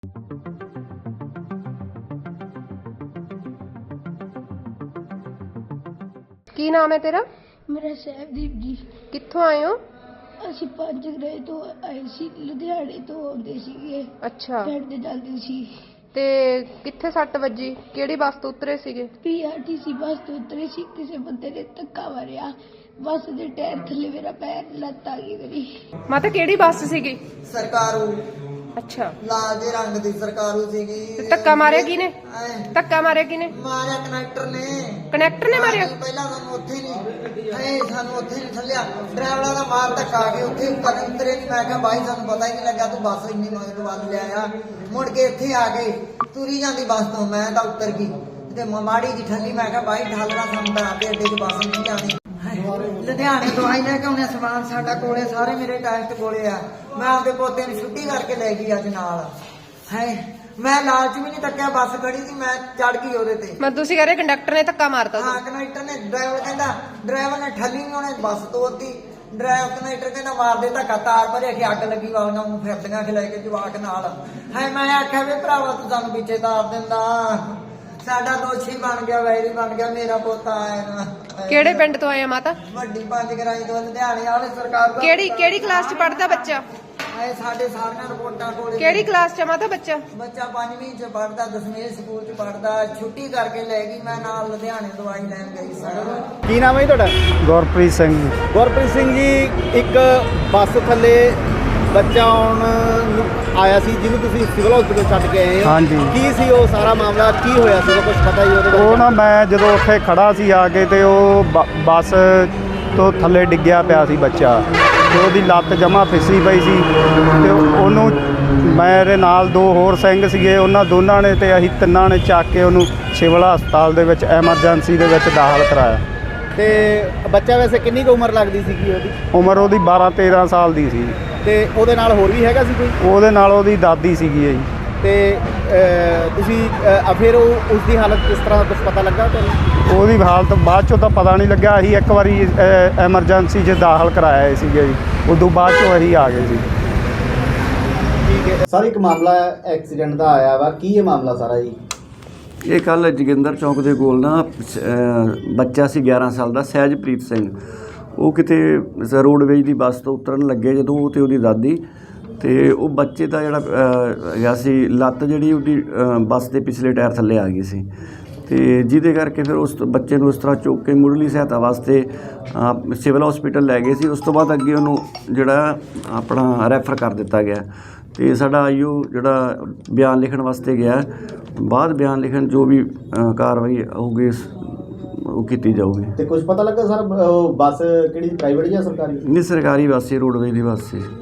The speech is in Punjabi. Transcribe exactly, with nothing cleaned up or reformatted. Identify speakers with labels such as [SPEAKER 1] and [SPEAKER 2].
[SPEAKER 1] ਕੀ ਨਾਮ ਹੈ ਤੇਰਾ?
[SPEAKER 2] ਮੇਰਾ ਸਹਿਬਦੀਪ ਜੀ।
[SPEAKER 1] ਕਿੱਥੋਂ ਆਏ ਹੋ?
[SPEAKER 2] ਅਸੀਂ ਪੰਜ ਗ੍ਰਹਿ ਤੋਂ ਆਏ ਸੀ, ਲੁਧਿਆਣੇ ਤੋਂ ਆਉਂਦੇ ਸੀਗੇ।
[SPEAKER 1] ਅੱਛਾ,
[SPEAKER 2] ਪਿੰਡ ਜਾਂਦੇ ਸੀ।
[SPEAKER 1] ਤੇ ਕਿੱਥੇ ਸੱਟ ਵੱਜੀ? ਕਿਹੜੀ ਬੱਸ ਤੋਂ ਉਤਰੇ ਸੀਗੇ?
[SPEAKER 2] ਪੀਆਰਟੀਸੀ ਬੱਸ ਤੋਂ ਉਤਰੇ ਸੀ। ਕਿਸੇ ਬੰਦੇ ਨੇ ਧੱਕਾ ਮਾਰਿਆ ਬੱਸ ਦੇ ਟਾਇਰ ਥੱਲੇ, ਮੇਰਾ ਪੈਰ ਲੱਤ ਆ ਗਈ ਮੇਰੀ।
[SPEAKER 1] ਮਾਤਾ ਕਿਹੜੀ ਬੱਸ ਸੀਗੀ?
[SPEAKER 3] ਸਰਕਾਰੂ।
[SPEAKER 1] ਅੱਛਾ,
[SPEAKER 3] ਲਾਲ ਦੇ ਰੰਗ ਦੀ ਸਰਕਾਰੂ ਸੀਗੀ।
[SPEAKER 1] ਤੇ ਧੱਕਾ ਮਾਰਿਆ ਕਿਹਨੇ? ਧੱਕਾ ਮਾਰਿਆ ਕਿਹਨੇ?
[SPEAKER 3] ਮਾਰਿਆ ਕਨੈਕਟਰ ਨੇ।
[SPEAKER 1] ਕਨੈਕਟਰ ਨੇ ਮਾਰਿਆ?
[SPEAKER 3] ਪਹਿਲਾਂ ਸਾਨੂੰ ਉੱਥੇ ਨਹੀਂ ਐ ਸਾਨੂੰ ਉੱਥੇ ਨਹੀਂ ਥੱਲਿਆ, ਡਰਾਈਵਰਾਂ ਦਾ ਮਾਰ ਧੱਕਾ ਆ ਕੇ ਉੱਥੇ ਉੱਪਰ ਉਤਰੇ ਨਹੀਂ। ਮੈਂ ਕਿਹਾ ਬਾਈ ਸਾਨੂੰ ਪਤਾ ਹੀ ਨਹੀਂ ਲੱਗਾ, ਤੂੰ ਬੱਸ ਇੰਨੀ ਮਗਰ ਵੱਲ ਲਿਆਇਆ। ਮੁੜ ਕੇ ਇੱਥੇ ਆ ਗਏ, ਤੁਰੀ ਜਾਂਦੀ ਬੱਸ ਤੋਂ ਮੈਂ ਤਾਂ ਉਤਰ ਗਈ ਤੇ ਮਾੜੀ ਜੀ ਠੱਲੀ। ਮੈਂ ਕਿਹਾ ਬਾਈ ਢਾਲਣਾ ਸਾਨੂੰ ਤਾਂ ਆਪੇ ਅੱਡੇ 'ਚ ਬੱਸ ਨਹੀਂ ਜਾਣੀ। ਲੁਧਿਆਣੇ ਦਵਾਈ ਲੈ ਕੇ ਆਉਣੇ, ਸਮਾਨ ਸਾਡਾ ਕੋਲੇ, ਸਾਰੇ ਮੇਰੇ ਟੈਸਟ ਕੋਲੇ ਆ। ਮੈਂ ਆਪਦੇ ਪੋਤੇ ਨੂੰ ਛੁੱਟੀ ਕਰਕੇ ਲੈ ਗਈ ਅੱਜ ਨਾਲ। ਹੈ ਮੈਂ ਲਾਲਚ ਵੀ ਨਹੀਂ ਤੱਕਿਆ, ਬੱਸ ਖੜੀ ਸੀ ਮੈਂ ਚੜ ਗਈ ਉਹਦੇ ਤੇ।
[SPEAKER 1] ਮੈਂ ਤੁਸੀਂ ਕਹ ਰਹੇ ਕੰਡਕਟਰ ਨੇ ਧੱਕਾ ਮਾਰਤਾ?
[SPEAKER 3] ਹਾਂ, ਕਨੈਕਟਰ ਨੇ। ਡਰਾਈਵਰ ਕਹਿੰਦਾ, ਡਰਾਈਵਰ ਨੇ ਠੱਲੀ ਨਹੀਂ, ਉਹਨੇ ਬੱਸ ਤੋੜਤੀ। ਡਰਾਈਵਰ ਕਨੈਕਟਰ ਕਹਿੰਦਾ ਮਾਰਦੇ ਧੱਕਾ, ਤਾਰ ਭਰੇ ਕੇ ਅੱਗ ਲੱਗੀ ਵਾਲੀਆਂ ਨੂੰ ਫਿਰਦੀਆਂ ਖਿਲਾ ਕੇ ਜਵਾਕ ਨਾਲ। ਹੈ ਮੈਂ ਆਖਿਆ ਵੀ ਭਰਾਵਾ ਤੂੰ ਸਾਨੂੰ ਪਿੱਛੇ ਤਾਰ ਦਿੰਦਾ, ਸਾਡਾ ਦੋਸ਼ੀ ਬਣ ਗਿਆ, ਵੈਰੀ ਬਣ ਗਿਆ, ਮੇਰਾ ਪੋਤਾ ਆਇਆ।
[SPEAKER 1] ਕਿਹੜੇ ਪਿੰਡ ਤੋਂ ਆਏ ਆ ਮਾਤਾ?
[SPEAKER 3] ਵੱਡੀ ਪੰਜ ਗਰਾਈ ਤੋਂ, ਲੁਧਿਆਣੇ ਵਾਲੇ ਸਰਕਾਰ।
[SPEAKER 1] ਕਿਹੜੀ ਕਿਹੜੀ ਕਲਾਸ ਚ ਪੜਦਾ ਬੱਚਾ?
[SPEAKER 3] ਆਏ ਸਾਡੇ ਸਾਰੀਆਂ ਰਿਪੋਰਟਾਂ ਕੋਲੇ।
[SPEAKER 1] ਕਿਹੜੀ ਕਲਾਸ ਚ ਮਾਤਾ ਬੱਚਾ?
[SPEAKER 3] ਬੱਚਾ ਪੰਜਵੀਂ ਚ ਪੜਦਾ, ਦਸਵੇਂ ਸਕੂਲ ਚ ਪੜਦਾ। ਛੁੱਟੀ ਕਰਕੇ ਲੈ ਗਈ, ਮੈਂ ਨਾਲ ਲੁਧਿਆਣੇ ਦਵਾਈ ਲੈਣ ਗਈ ਸੀ।
[SPEAKER 4] ਕੀ ਨਾਮ ਹੈ ਜੀ ਤੁਹਾਡਾ?
[SPEAKER 5] ਗੁਰਪ੍ਰੀਤ ਸਿੰਘ।
[SPEAKER 4] ਗੁਰਪ੍ਰੀਤ ਸਿੰਘ ਜੀ, ਇੱਕ ਬੱਸ ਥੱਲੇ ਬੱਚਾ ਆਉਣ ਨੂੰ ਆਇਆ ਸੀ ਜਿਹਨੂੰ ਤੁਸੀਂ ਸਿਵਲ ਹਸਪੀਟਲ ਛੱਡ ਕੇ ਆਏ ਹੋ।
[SPEAKER 5] ਹਾਂਜੀ।
[SPEAKER 4] ਕੀ ਸੀ ਉਹ ਸਾਰਾ ਮਾਮਲਾ, ਕੀ ਹੋਇਆ ਸੀ, ਕੁਝ ਪਤਾ ਹੀ ਉਹਦੇ ਬਾਰੇ?
[SPEAKER 5] ਉਹ ਨਾ ਮੈਂ ਜਦੋਂ ਉੱਥੇ ਖੜਾ ਸੀ ਆ ਕੇ ਤੇ ਉਹ ਬ- ਬੱਸ ਤੋਂ ਥੱਲੇ ਡਿੱਗਿਆ ਪਿਆ ਸੀ ਬੱਚਾ, ਤੇ ਉਹਦੀ ਲੱਤ ਜਮਾ ਫਿੱਸੀ ਪਈ ਸੀ। ਤੇ ਉਹਨੂੰ ਮੇਰੇ ਨਾਲ ਦੋ ਹੋਰ ਸਿੰਘ ਸੀਗੇ, ਉਹਨਾਂ ਦੋਨਾਂ ਨੇ ਤੇ ਅਸੀਂ ਤਿੰਨਾਂ ਨੇ ਚੱਕ ਕੇ ਉਹਨੂੰ ਸਿਵਲ ਹਸਪਤਾਲ ਦੇ ਵਿੱਚ ਐਮਰਜੈਂਸੀ ਦੇ ਵਿੱਚ ਦਾਖਲ ਕਰਾਇਆ।
[SPEAKER 4] ਤੇ ਬੱਚਾ ਵੈਸੇ ਕਿੰਨੀ ਕੁ ਉਮਰ ਲੱਗਦੀ ਸੀਗੀ ਉਹਦੀ?
[SPEAKER 5] ਉਮਰ ਉਹਦੀ ਬਾਰਾਂ ਤੇਰਾਂ ਸਾਲ ਦੀ ਸੀ।
[SPEAKER 4] ਤੇ ਉਹਦੇ ਨਾਲ ਹੋਰ ਵੀ ਹੈਗਾ ਸੀ ਕੋਈ?
[SPEAKER 5] ਉਹਦੇ ਨਾਲ ਉਹਦੀ ਦਾਦੀ ਸੀਗੀ ਜੀ।
[SPEAKER 4] ਤੇ ਅਹ, ਤੁਸੀਂ ਅਹ, ਫਿਰ ਉਹ ਉਸ ਦੀ ਹਾਲਤ ਕਿਸ ਤਰ੍ਹਾਂ, ਕੁਝ ਪਤਾ ਲੱਗਾ ਤੁਹਾਨੂੰ?
[SPEAKER 5] ਉਹਦੀ ਹਾਲਤ ਬਾਅਦ 'ਚੋਂ ਤਾਂ ਪਤਾ ਨਹੀਂ ਲੱਗਿਆ। ਅਸੀਂ ਇੱਕ ਵਾਰੀ ਐਮਰਜੈਂਸੀ 'ਚ ਦਾਖਲ ਕਰਾਇਆ ਸੀਗੇ ਜੀ, ਉਦੋਂ ਬਾਅਦ 'ਚੋਂ ਅਸੀਂ ਆ ਗਏ ਸੀ।
[SPEAKER 4] ਠੀਕ ਹੈ ਸਰ, ਇੱਕ ਮਾਮਲਾ ਐਕਸੀਡੈਂਟ ਦਾ ਆਇਆ ਵਾ, ਕੀ ਇਹ ਮਾਮਲਾ ਸਾਰਾ ਜੀ?
[SPEAKER 6] ਇਹ ਕੱਲ੍ਹ ਜੋਗਿੰਦਰ ਚੌਂਕ ਦੇ ਕੋਲ ਨਾ ਅ, ਬੱਚਾ ਸੀ ਗਿਆਰਾਂ ਸਾਲ ਦਾ, ਸਹਿਜਪ੍ਰੀਤ ਸਿੰਘ। ਉਹ ਕਿਤੇ ਰੋਡਵੇਜ ਦੀ ਬੱਸ ਤੋਂ ਉਤਰਨ ਲੱਗੇ ਜਦੋਂ, ਉਹ ਅਤੇ ਉਹਦੀ ਦਾਦੀ, ਅਤੇ ਉਹ ਬੱਚੇ ਦਾ ਜਿਹੜਾ ਅ, ਹੈਗਾ ਸੀ ਲੱਤ ਜਿਹੜੀ ਉਹਦੀ ਅ, ਬੱਸ ਦੇ ਪਿਛਲੇ ਟਾਇਰ ਥੱਲੇ ਆ ਗਈ ਸੀ, ਅਤੇ ਜਿਹਦੇ ਕਰਕੇ ਫਿਰ ਉਸ ਬੱਚੇ ਨੂੰ ਉਸ ਤਰ੍ਹਾਂ ਚੁੱਕ ਕੇ ਮੁੱਢਲੀ ਸਹਾਇਤਾ ਵਾਸਤੇ ਅ, ਸਿਵਲ ਹਸਪੀਟਲ ਲੈ ਗਏ ਸੀ। ਉਸ ਤੋਂ ਬਾਅਦ ਅੱਗੇ ਉਹਨੂੰ ਜਿਹੜਾ ਆਪਣਾ ਰੈਫਰ ਕਰ ਦਿੱਤਾ ਗਿਆ, ਅਤੇ ਸਾਡਾ ਆਈਓ ਜਿਹੜਾ ਬਿਆਨ ਲਿਖਣ ਵਾਸਤੇ ਗਿਆ। ਬਾਅਦ ਬਿਆਨ ਲਿਖਣ ਜੋ ਵੀ ਅ, ਕਾਰਵਾਈ ਹੋਊਗੀ ਉਹ ਕੀਤੀ ਜਾਊਗੀ।
[SPEAKER 4] ਤੇ ਕੁਝ ਪਤਾ ਲੱਗਾ ਸਰ, ਬੱਸ ਕਿਹੜੀ ਪ੍ਰਾਈਵੇਟ ਜਾਂ ਸਰਕਾਰੀ?
[SPEAKER 6] ਨਹੀਂ, ਸਰਕਾਰੀ ਬੱਸ ਸੀ, ਰੋਡਵੇਜ ਦੀ ਬੱਸ ਸੀ।